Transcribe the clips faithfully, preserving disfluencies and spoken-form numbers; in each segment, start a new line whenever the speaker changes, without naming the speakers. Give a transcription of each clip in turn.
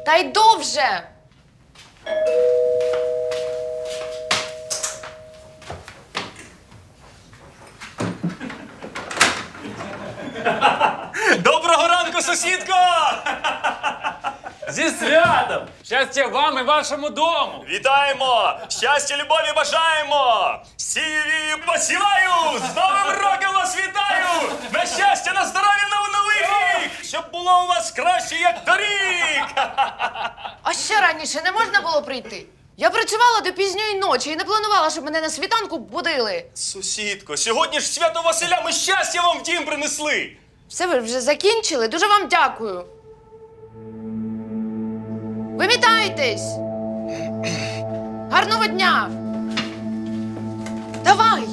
Та йду вже!
Доброго ранку, сусідко!
Зі святом! Щастя вам і вашому дому!
Вітаємо! Щастя, любові бажаємо! Сіві посіваю! З Новим роком вас вітаю! На щастя, на здоров'я, на новий рік! Щоб було у вас краще, як торік!
А ще раніше не можна було прийти? Я працювала до пізньої ночі і не планувала, щоб мене на світанку будили.
Сусідко, сьогодні ж свято Василя, ми щастя вам в дім принесли!
Все, ви вже закінчили? Дуже вам дякую. Вимітайтесь! Гарного дня! Давай!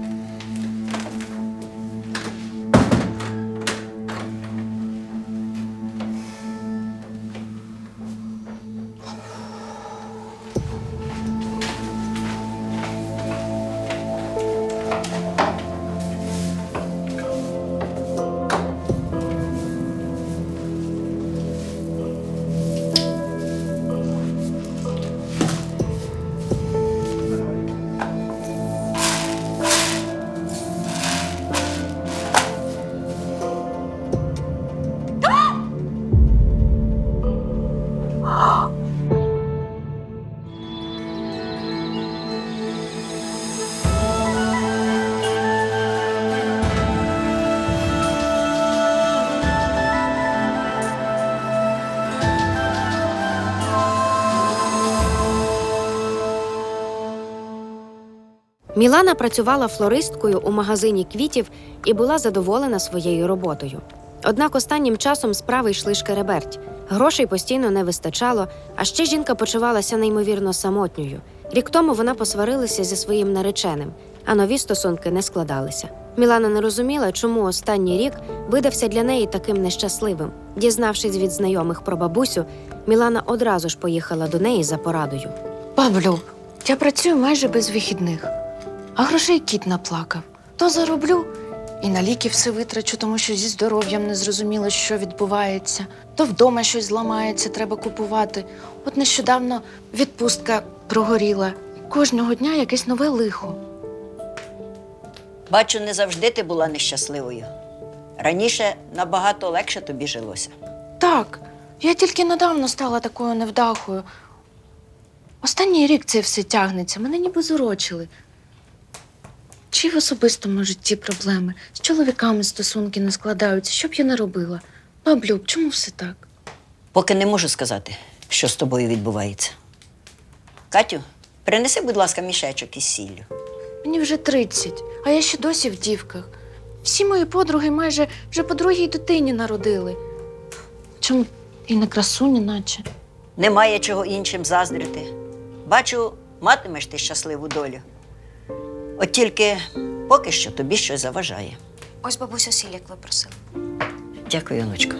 Мілана працювала флористкою у магазині квітів і була задоволена своєю роботою. Однак останнім часом справи йшли шкереберть. Грошей постійно не вистачало, а ще жінка почувалася неймовірно самотньою. Рік тому вона посварилася зі своїм нареченим, а нові стосунки не складалися. Мілана не розуміла, чому останній рік видався для неї таким нещасливим. Дізнавшись від знайомих про бабусю, Мілана одразу ж поїхала до неї за порадою.
Баблю, я працюю майже без вихідних, а грошей кіт наплакав. То зароблю і на ліки все витрачу, тому що зі здоров'ям не зрозуміло, що відбувається. То вдома щось зламається, треба купувати. От нещодавно відпустка прогоріла. Кожного дня якесь нове лихо.
Бачу, не завжди ти була нещасливою. Раніше набагато легше тобі жилося.
Так, я тільки недавно стала такою невдахою. Останній рік це все тягнеться, мене ніби зурочили. Чи в особистому житті проблеми? З чоловіками стосунки не складаються. Що б я не робила? Баблюб, чому все так?
Поки не можу сказати, що з тобою відбувається. Катю, принеси, будь ласка, мішечок із сіллю.
Мені вже тридцять, а я ще досі в дівках. Всі мої подруги майже вже по другій дитині народили. Чому і не красуні, наче?
Немає чого іншим заздрити. Бачу, матимеш ти щасливу долю. От тільки поки що тобі щось заважає.
Ось бабусю сіль, як ви просили.
Дякую, онучко.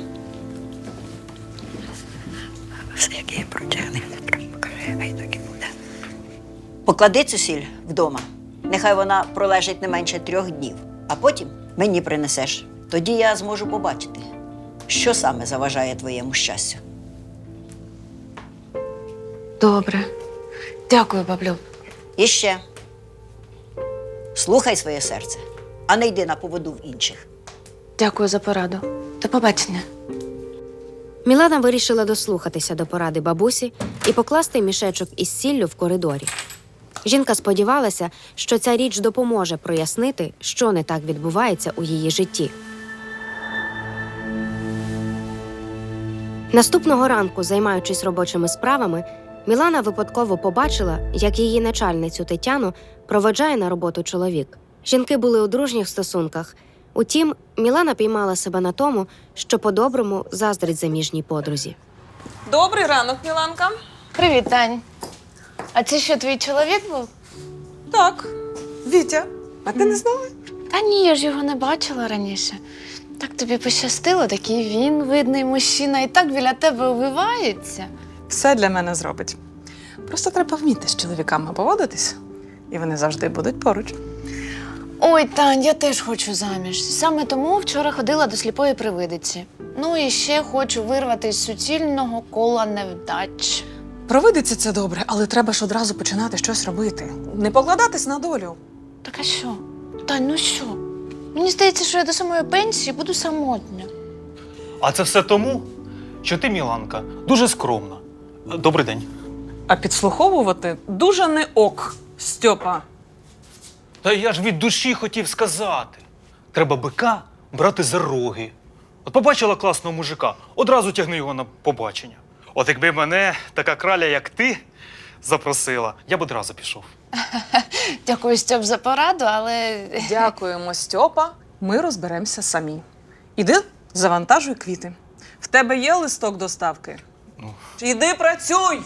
Все, як я прочали, хай так і буде. Поклади цю сіль вдома. Нехай вона пролежить не менше трьох днів, а потім мені принесеш. Тоді я зможу побачити, що саме заважає твоєму щастю.
Добре. Дякую, баблюб.
І ще. Слухай своє серце, а не йди на поводу в інших.
Дякую за пораду. До побачення.
Мілана вирішила дослухатися до поради бабусі і покласти мішечок із сіллю в коридорі. Жінка сподівалася, що ця річ допоможе прояснити, що не так відбувається у її житті. Наступного ранку, займаючись робочими справами, Мілана випадково побачила, як її начальницю Тетяну проводжає на роботу чоловік. Жінки були у дружніх стосунках. Утім, Мілана піймала себе на тому, що по-доброму заздрить заміжній подрузі.
Добрий ранок, Міланка.
Привіт, Тань. А це що, твій чоловік був?
Так, Вітя. А ти не знала?
Та ні, я ж його не бачила раніше. Так тобі пощастило, такий він, видний мужчина, і так біля тебе увивається.
Все для мене зробить. Просто треба вміти з чоловіками поводитись, і вони завжди будуть поруч.
Ой, Тань, я теж хочу заміж. Саме тому вчора ходила до сліпої привидиці. Ну і ще хочу вирвати з суцільного кола невдач.
Провидиться це добре, але треба ж одразу починати щось робити. Не покладатись на долю.
Так а що? Тань, ну що? Мені здається, що я до самої пенсії буду самотня.
А це все тому, що ти, Міланка, дуже скромна. Добрий день.
А підслуховувати дуже не ок, Стьопа.
Та я ж від душі хотів сказати. Треба бика брати за роги. От побачила класного мужика, одразу тягни його на побачення. От якби мене така краля, як ти, запросила, я б одразу пішов.
Дякую, Стьоп, за пораду, але
Дякуємо, Стьопа. Ми розберемося самі. Іди, завантажуй квіти. В тебе є листок доставки?
Ну.
Іди працюй!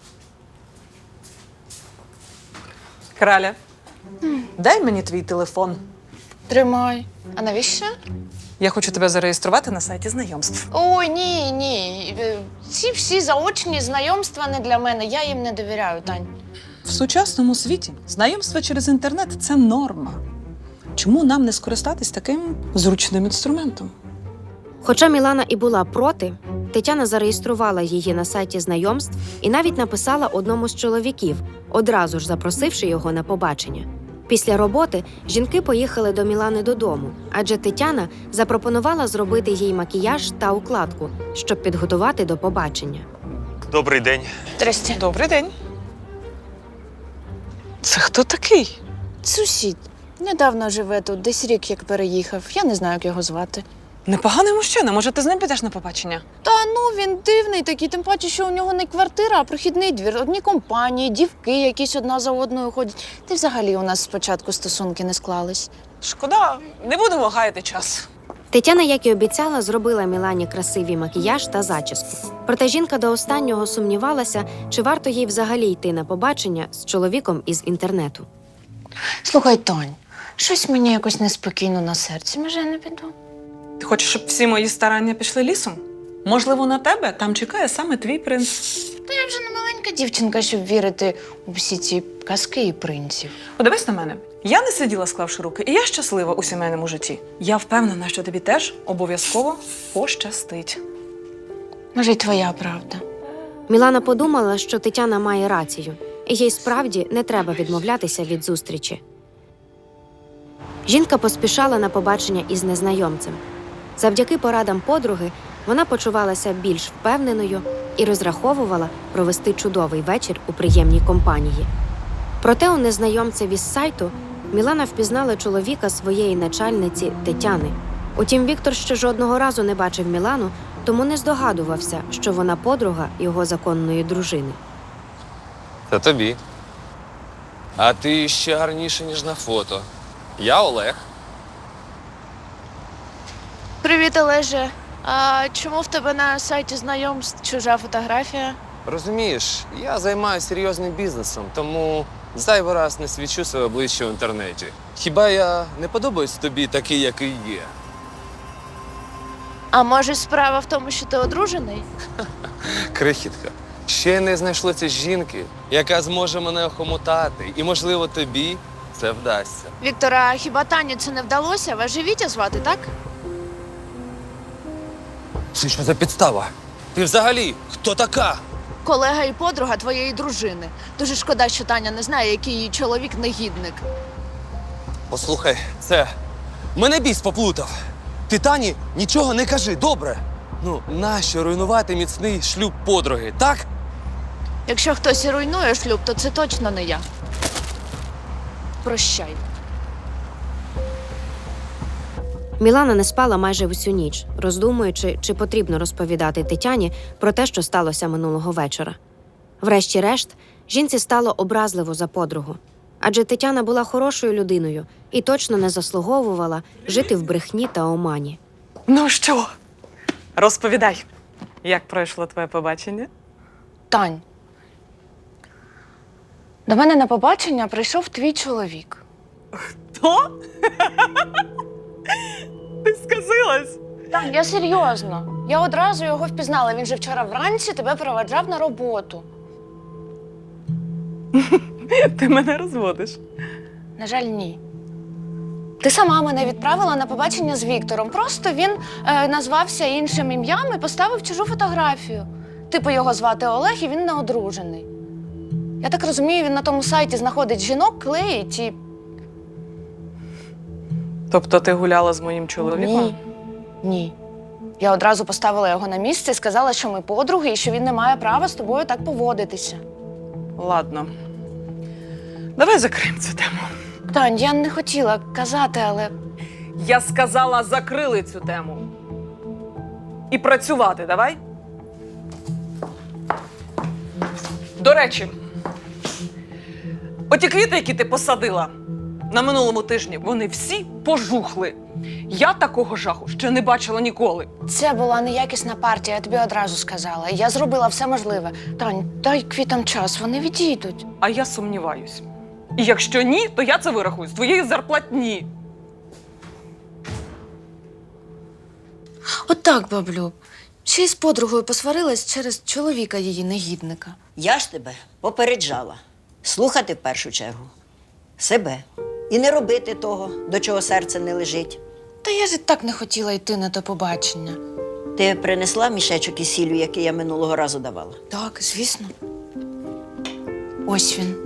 Краля, дай мені твій телефон.
тримай. А навіщо?
Я хочу тебе зареєструвати на сайті знайомств.
Ой, ні, ні. Е, Ці всі заочні знайомства не для мене. Я їм не довіряю, Тань.
В сучасному світі знайомство через інтернет – це норма. Чому нам не скористатись таким зручним інструментом?
Хоча Мілана і була проти, Тетяна зареєструвала її на сайті знайомств і навіть написала одному з чоловіків, одразу ж запросивши його на побачення. Після роботи жінки поїхали до Мілани додому, адже Тетяна запропонувала зробити їй макіяж та укладку, щоб підготувати до побачення.
Добрий день.
Здрасте.
Добрий день. Це хто такий?
Сусід. Недавно живе тут, десь рік як переїхав. Я не знаю, як його звати.
Непоганий мужчина. Може, ти з ним підеш на побачення?
Та ну, він дивний такий, тим паче, що у нього не квартира, а прохідний двір. Одні компанії, дівки якісь одна за одною ходять. Та й взагалі у нас спочатку стосунки не склались.
Шкода, не будемо гаяти час.
Тетяна, як і обіцяла, зробила Мілані красивий макіяж та зачіску. Проте жінка до останнього сумнівалася, чи варто їй взагалі йти на побачення з чоловіком із інтернету.
Слухай, Тонь, щось мені якось неспокійно на серці. Може, я не піду?
Ти хочеш, щоб всі мої старання пішли лісом? Можливо, на тебе там чекає саме твій принц.
Та я вже не маленька дівчинка, щоб вірити у всі ці казки і принців.
Подивись на мене. Я не сиділа, склавши руки, і я щаслива у сімейному житті. Я впевнена, що тобі теж обов'язково пощастить.
Може, й твоя правда.
Мілана подумала, що Тетяна має рацію, і їй справді не треба відмовлятися від зустрічі. Жінка поспішала на побачення із незнайомцем. Завдяки порадам подруги вона почувалася більш впевненою і розраховувала провести чудовий вечір у приємній компанії. Проте у незнайомцеві з сайту Мілана впізнала чоловіка своєї начальниці Тетяни. Утім, Віктор ще жодного разу не бачив Мілану, тому не здогадувався, що вона подруга його законної дружини.
Та тобі. А ти ще гарніше, ніж на фото. Я Олег.
Привіт, Олеже. А чому в тебе на сайті знайомств чужа фотографія?
Розумієш, я займаюся серйозним бізнесом, тому зайвий раз не свічу своє обличчя в інтернеті. Хіба я не подобаюсь тобі такий, який є?
А може, справа в тому, що ти одружений?
Крихітка, ще не знайшлося жінки, яка зможе мене охомутати. І, можливо, тобі це вдасться.
Віктора, хіба Тані це не вдалося? Вас же Вітя звати, так?
Це що за підстава? Ти взагалі хто така?
Колега і подруга твоєї дружини. Дуже шкода, що Таня не знає, який її чоловік негідник.
Послухай, це мене біс поплутав. Ти Тані нічого не кажи, добре? Ну, нащо руйнувати міцний шлюб подруги, так?
Якщо хтось і руйнує шлюб, то це точно не я. Прощай.
Мілана не спала майже всю ніч, роздумуючи, чи потрібно розповідати Тетяні про те, що сталося минулого вечора. Врешті-решт, жінці стало образливо за подругу. Адже Тетяна була хорошою людиною і точно не заслуговувала жити в брехні та омані.
Ну що, розповідай, як пройшло твоє побачення?
Тань, до мене на побачення прийшов твій чоловік.
Хто? Ти сказилась?
Тань, я серйозно. Я одразу його впізнала. Він же вчора вранці тебе проведжав на роботу.
Ти мене розводиш.
На жаль, ні. Ти сама мене відправила на побачення з Віктором. Просто він е, назвався іншим ім'ям і поставив чужу фотографію. Типу його звати Олег, і він не одружений. Я так розумію, він на тому сайті знаходить жінок, клеїть і...
Тобто ти гуляла з моїм чоловіком?
Ні. Ні. Я одразу поставила його на місце і сказала, що ми подруги і що він не має права з тобою так поводитися.
Ладно. Давай закриємо цю тему.
Тань, я не хотіла казати, але
Я сказала, закрили цю тему. І працювати давай. До речі, оті квіти, які ти посадила на минулому тижні, вони всі пожухли. Я такого жаху ще не бачила ніколи.
це була неякісна партія, я тобі одразу сказала. Я зробила все можливе. Тань, дай квітам час, вони відійдуть.
А я сумніваюсь. І якщо ні, то я це вирахую з твоєї зарплатні.
От так, баблю. Ще й з подругою посварилась через чоловіка її негідника.
Я ж тебе попереджала. Слухати в першу чергу себе. І не робити того, до чого серце не лежить.
Та я ж і так не хотіла йти на те побачення.
Ти принесла мішечок із сіллю, який я минулого разу давала?
Так, звісно. Ось він.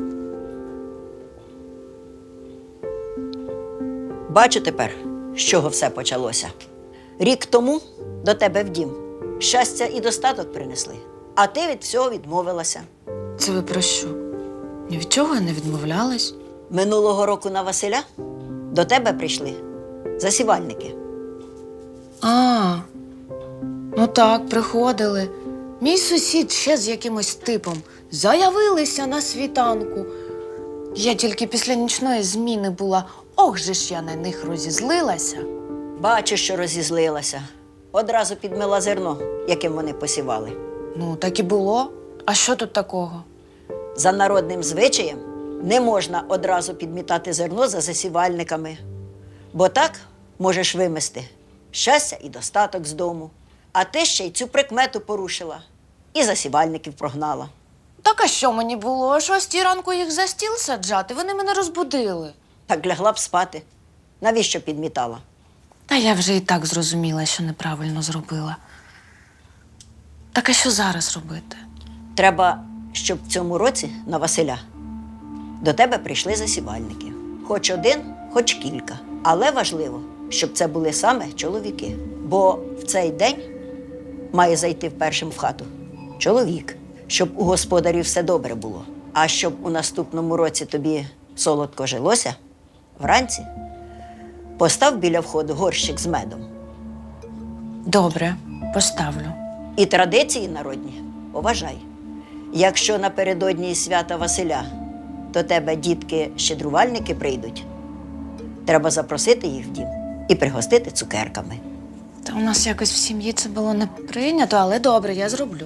Бачу тепер, з чого все почалося. Рік тому до тебе в дім щастя і достаток принесли, а ти від всього відмовилася.
Це ви про що? Ні від чого я не відмовлялась.
Минулого року на Василя до тебе прийшли засівальники.
А, ну так, приходили. Мій сусід ще з якимось типом заявилися на світанку. Я тільки після нічної зміни була. Ох же ж я на них розізлилася.
Бачу, що розізлилася. Одразу підмила зерно, яким вони посівали.
Ну, так і було. А що тут такого?
За народним звичаєм не можна одразу підмітати зерно за засівальниками, бо так можеш вимести щастя і достаток з дому. А ти ще й цю прикмету порушила і засівальників прогнала.
Так а що мені було? О шостій ранку їх за стіл саджати? Вони мене розбудили.
Так лягла б спати. Навіщо підмітала?
Та я вже і так зрозуміла, що неправильно зробила. Так а що зараз робити?
Треба, щоб в цьому році на Василя до тебе прийшли засівальники. Хоч один, хоч кілька. Але важливо, щоб це були саме чоловіки. Бо в цей день має зайти першим в хату чоловік, щоб у господарів все добре було. А щоб у наступному році тобі солодко жилося, вранці постав біля входу горщик з медом.
Добре, поставлю.
І традиції народні поважай. Якщо напередодні свята Василя до тебе дітки-щедрувальники прийдуть, треба запросити їх в дім і пригостити цукерками.
Та у нас якось в сім'ї це було не прийнято, але добре, я зроблю.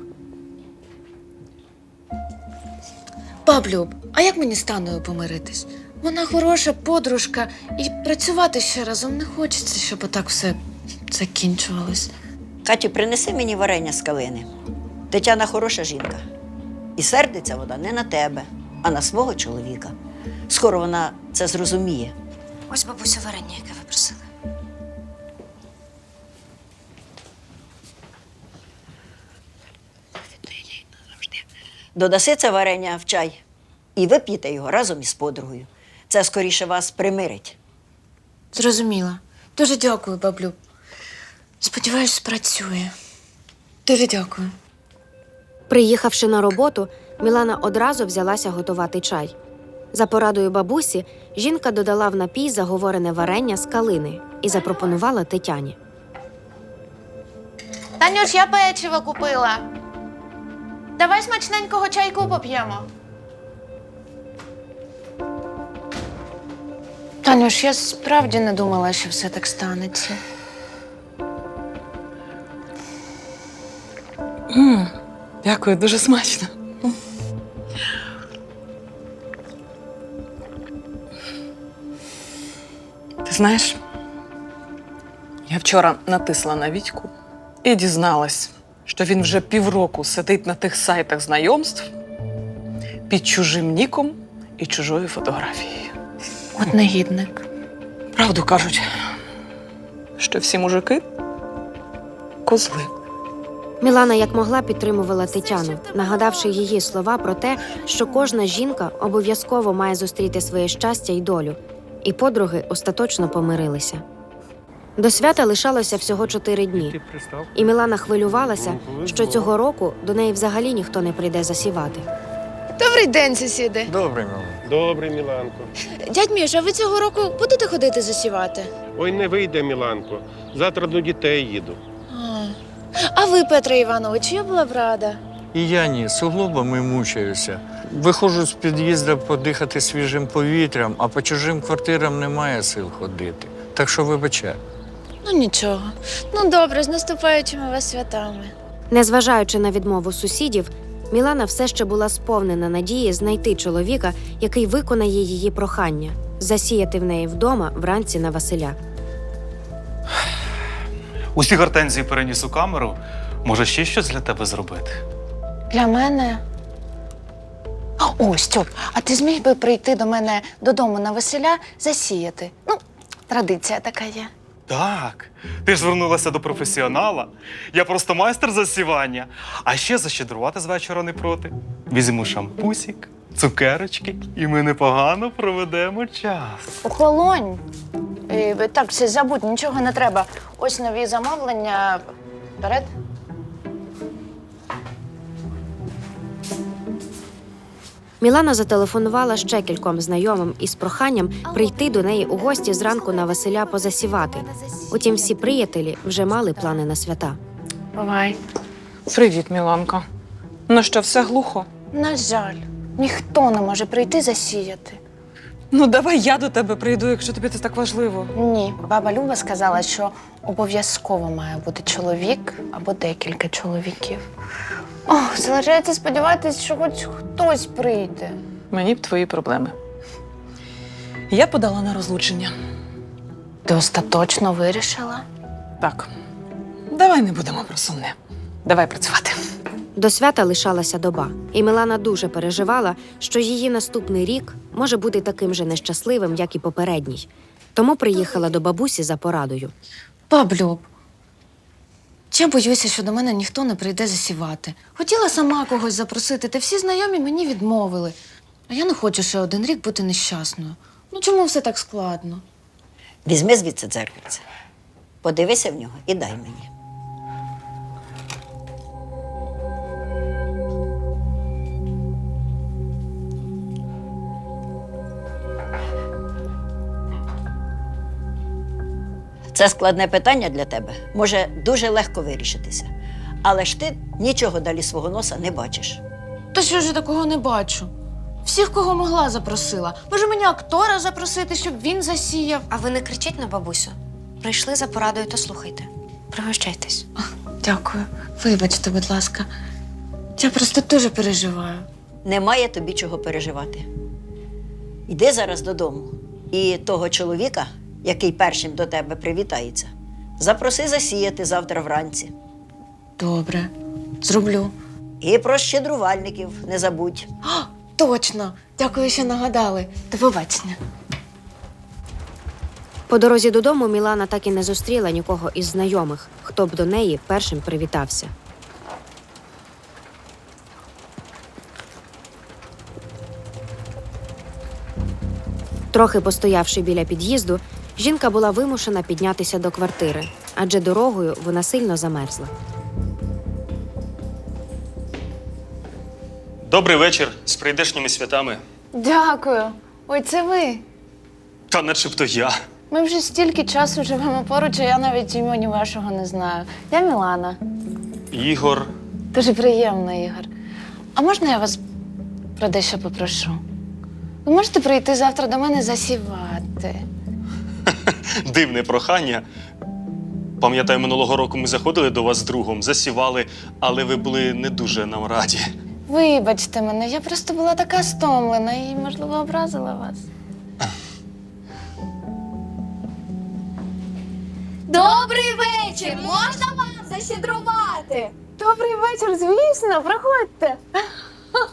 Баблю, а як мені з Таною помиритись? Вона хороша подружка, і працювати ще разом не хочеться, щоб отак все закінчувалось.
Катю, принеси мені варення з калини. Тетяна хороша жінка. І сердиться вона не на тебе, а на свого чоловіка. Скоро вона це зрозуміє.
Ось бабусю варення, яке ви просили.
Додаси це варення в чай і вип'єте його разом із подругою. Це скоріше вас примирить.
Зрозуміла. Дуже дякую, баблю. Сподіваюсь, спрацює. Дуже дякую.
Приїхавши на роботу, Мілана одразу взялася готувати чай. За порадою бабусі, жінка додала в напій заговорене варення з калини і запропонувала Тетяні.
Танюш, я печиво купила. Давай смачненького чайку поп'ємо. Танюш, я справді не думала, що все так станеться.
М, Дякую, дуже смачно. Ти знаєш, я вчора натисла на Вітьку і дізналась, що він вже півроку сидить на тих сайтах знайомств під чужим ніком і чужою фотографією.
От негідник.
Правду кажуть, що всі мужики козли.
Мілана як могла підтримувала Тетяну, нагадавши її слова про те, що кожна жінка обов'язково має зустріти своє щастя й долю. І подруги остаточно помирилися. До свята лишалося всього чотири дні. І Мілана хвилювалася, що цього року до неї взагалі ніхто не прийде засівати.
Добрий день, сусіди.
Добре, мама.
Добре, Міланко.
Дядь Міш, а ви цього року будете ходити засівати?
Ой, не вийде, Міланко. Завтра до дітей їду.
А, а ви, Петро Іванович, я була б рада.
І я ні, суглобами мучаюся. Виходжу з під'їзду подихати свіжим повітрям, а по чужим квартирам немає сил ходити. Так що вибачай.
Ну нічого. Ну добре, з наступаючими вас святами.
Незважаючи на відмову сусідів, Мілана все ще була сповнена надії знайти чоловіка, який виконає її прохання – засіяти в неї вдома вранці на Василя.
Усі гортензії переніс у камеру. Може, ще щось для тебе зробити?
Для мене. О, Стьоп, а ти зміг би прийти до мене додому на Василя засіяти? Ну, традиція така є.
Так. Ти ж звернулася до професіонала. Я просто майстер засівання. А ще защедрувати з вечора не проти. Візьму шампусік, цукерочки, і ми непогано проведемо час.
Охолонь. Е, Так, все, забудь, нічого не треба. Ось нові замовлення. Вперед.
Мілана зателефонувала ще кільком знайомим із проханням прийти до неї у гості зранку на Василя позасівати. Утім, всі приятелі вже мали плани на свята.
Бувай.
Привіт, Міланка. Ну що, все глухо?
На жаль, ніхто не може прийти засіяти.
Ну, давай я до тебе прийду, якщо тобі це так важливо.
Ні, баба Люба сказала, що обов'язково має бути чоловік або декілька чоловіків. Ох, залишається сподіватися, що хоч хтось прийде.
Мені б твої проблеми. Я подала на розлучення.
Ти остаточно вирішила?
Так, давай не будемо про сумне. Давай працювати.
До свята лишалася доба, і Мілана дуже переживала, що її наступний рік може бути таким же нещасливим, як і попередній. Тому приїхала до бабусі за порадою.
Баблюб, я боюся, що до мене ніхто не прийде засівати. Хотіла сама когось запросити, та всі знайомі мені відмовили. А я не хочу ще один рік бути нещасною. Ну чому все так складно?
Візьми звідси дзеркальце, подивися в нього і дай мені. Це складне питання для тебе може дуже легко вирішитися. Але ж ти нічого далі свого носа не бачиш.
Та що ж я такого не бачу? Всіх, кого могла, запросила. Може, мені актора запросити, щоб він засіяв?
А ви не кричіть на бабусю. Прийшли за порадою, то слухайте. Пригощайтесь.
Дякую. Вибачте, будь ласка. Я просто дуже переживаю.
Немає тобі чого переживати. Йди зараз додому. І того чоловіка, який першим до тебе привітається, запроси засіяти завтра вранці.
Добре, зроблю.
І про щедрувальників не забудь.
А, точно! Дякую, що нагадали. До побачення.
По дорозі додому Мілана так і не зустріла нікого із знайомих, хто б до неї першим привітався. Трохи постоявши біля під'їзду, жінка була вимушена піднятися до квартири, адже дорогою вона сильно замерзла.
Добрий вечір з прийдешніми святами.
Дякую. Ой, це ви.
Та начебто я.
Ми вже стільки часу живемо поруч, а я навіть імені вашого не знаю. Я Мілана.
Ігор.
Дуже приємно, Ігор. А можна я вас про дещо попрошу? Ви можете прийти завтра до мене засівати?
Дивне прохання. Пам'ятаю, минулого року ми заходили до вас з другом, засівали, але ви були не дуже нам раді.
Вибачте мене, я просто була така стомлена і, можливо, образила вас.
Добрий вечір! Можна вам защедрувати?
Добрий вечір, звісно, проходьте.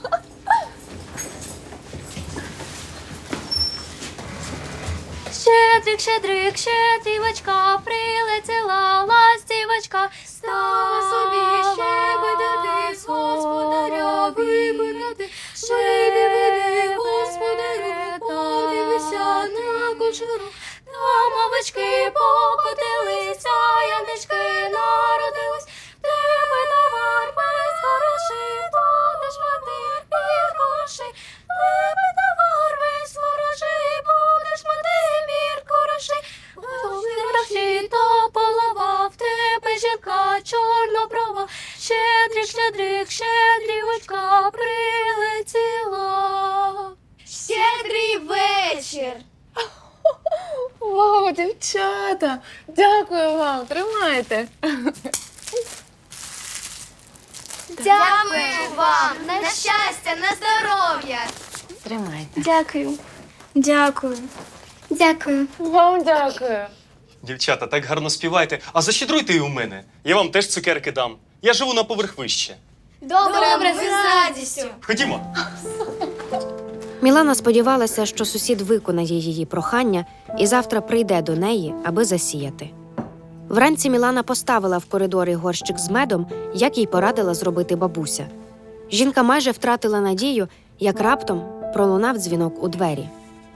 Щедрик! Щедрик, щедрик, щедрівочка, прилетіла ластівочка, стала собі щебетати, з господаря вибирати, щебети, господарю, подивися на кучеру, там овечки покотилися, янички народились, в тебе товар без грошей, будеш мати мір грошей, в тебе товар без грошей, будеш мати мір грошей, гроші то полова, в тебе жінка чорноброва, щедрик, щедрик, щедрівочка прилетіла. Щедрий вечір!
Вау, дівчата! Дякую вам, тримайте.
Дякую вам! На щастя, на здоров'я!
Тримайте.
Дякую. Дякую. Дякую.
Вам дякую.
Дівчата, так гарно співаєте. А защедруйте і у мене. Я вам теж цукерки дам. Я живу на поверх вище.
Добре, Добре з радістю.
Ходімо.
Мілана сподівалася, що сусід виконає її прохання і завтра прийде до неї, аби засіяти. Вранці Мілана поставила в коридорі горщик з медом, як їй порадила зробити бабуся. Жінка майже втратила надію, як раптом пролунав дзвінок у двері.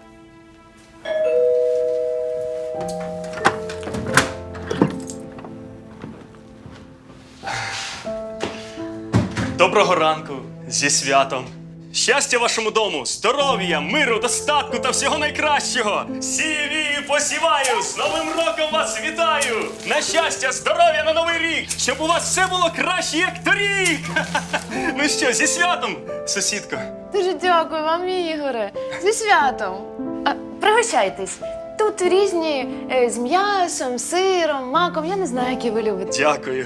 Доброго ранку, зі святом. Щастя вашому дому, здоров'я, миру, достатку та всього найкращого. Сію посіваю, з Новим роком вас вітаю! На щастя, здоров'я на новий рік, щоб у вас все було краще, як торік! Ну що, зі святом, сусідко?
Дуже дякую вам, Ігоре. Зі святом. А, пригощайтесь. Тут різні е, з м'ясом, сиром, маком. Я не знаю, які ви любите.
Дякую.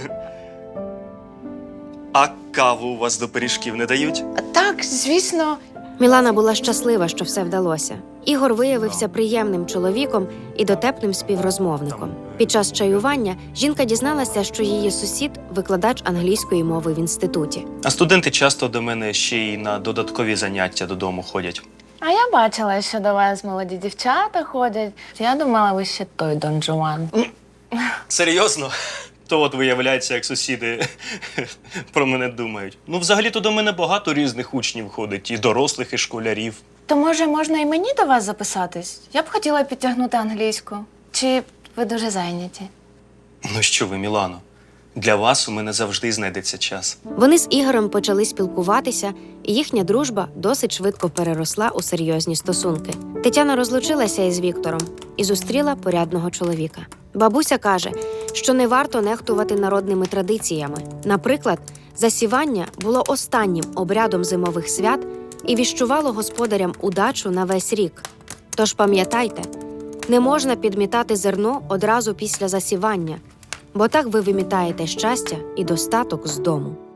А каву у вас до пиріжків не дають?
А, так, звісно.
Мілана була щаслива, що все вдалося. Ігор виявився приємним чоловіком і дотепним співрозмовником. Під час чаювання жінка дізналася, що її сусід – викладач англійської мови в інституті.
А студенти часто до мене ще й на додаткові заняття додому ходять.
А я бачила, що до вас молоді дівчата ходять. Я думала, ви ще той Дон Жуан.
Серйозно? То от виявляється, як сусіди про мене думають. Ну, взагалі-то до мене багато різних учнів ходить, і дорослих, і школярів.
То, може, можна і мені до вас записатись? Я б хотіла підтягнути англійську. Чи ви дуже зайняті?
Ну що ви, Мілано, для вас у мене завжди знайдеться час.
Вони з Ігорем почали спілкуватися, і їхня дружба досить швидко переросла у серйозні стосунки. Тетяна розлучилася із Віктором і зустріла порядного чоловіка. Бабуся каже, що не варто нехтувати народними традиціями. Наприклад, засівання було останнім обрядом зимових свят і віщувало господарям удачу на весь рік. Тож пам'ятайте, не можна підмітати зерно одразу після засівання, бо так ви вимітаєте щастя і достаток з дому.